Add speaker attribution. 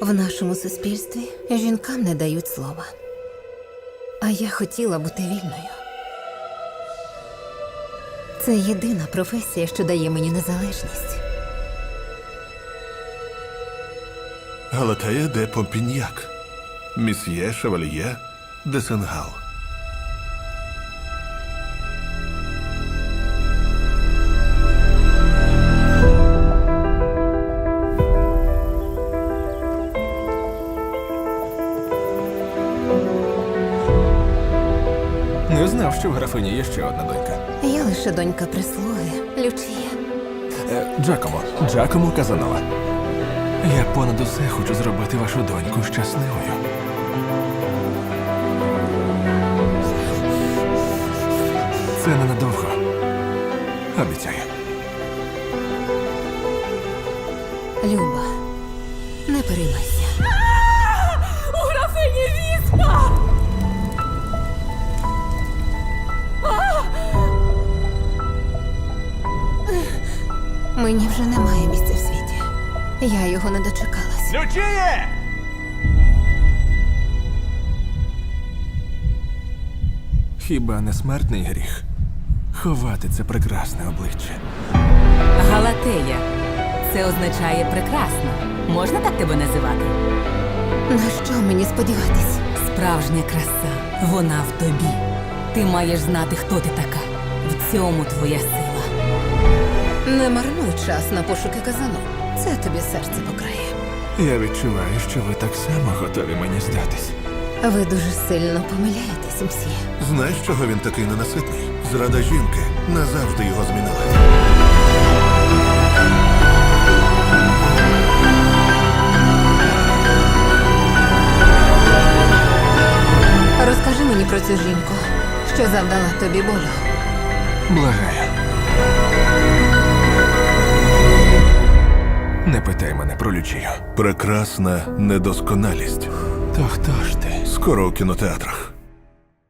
Speaker 1: В нашому суспільстві жінкам не дають слова. А я хотіла бути вільною. Це єдина професія, що дає мені незалежність.
Speaker 2: Галатея де Помпіньяк, Місьє Шевальє де Сенгал.
Speaker 3: Не знав, що в графині є ще одна донька.
Speaker 1: Я лише донька прислуги, Лючія.
Speaker 3: Джакомо Казанова. Я понад усе хочу зробити вашу доньку щасливою. Це ненадовго. Обіцяю.
Speaker 1: Люба, не переймайся.
Speaker 4: У графині віспа!
Speaker 1: Мені вже немає місця в світі. Я його не дочекалась.
Speaker 3: Лючіє! Хіба не смертний гріх ховати це прекрасне обличчя?
Speaker 4: Галатея. Це означає прекрасно. Можна так тебе називати?
Speaker 1: На що мені сподіватись?
Speaker 4: Справжня краса. Вона в тобі. Ти маєш знати, хто ти така. В цьому твоя сила.
Speaker 1: Не марнуй час на пошуки казану. Це тобі серце покрає.
Speaker 3: Я відчуваю, що ви так само готові мені здатись.
Speaker 1: Ви дуже сильно помиляєтесь, мсьє.
Speaker 2: Знаєш, чого він такий ненаситний? Зрада жінки назавжди його змінила.
Speaker 1: Розкажи мені про цю жінку, що завдала тобі болю.
Speaker 3: Благаю. Не питай мене про Лючію.
Speaker 2: Прекрасна недосконалість.
Speaker 3: То хто ж ти?
Speaker 2: Скоро у кінотеатрах.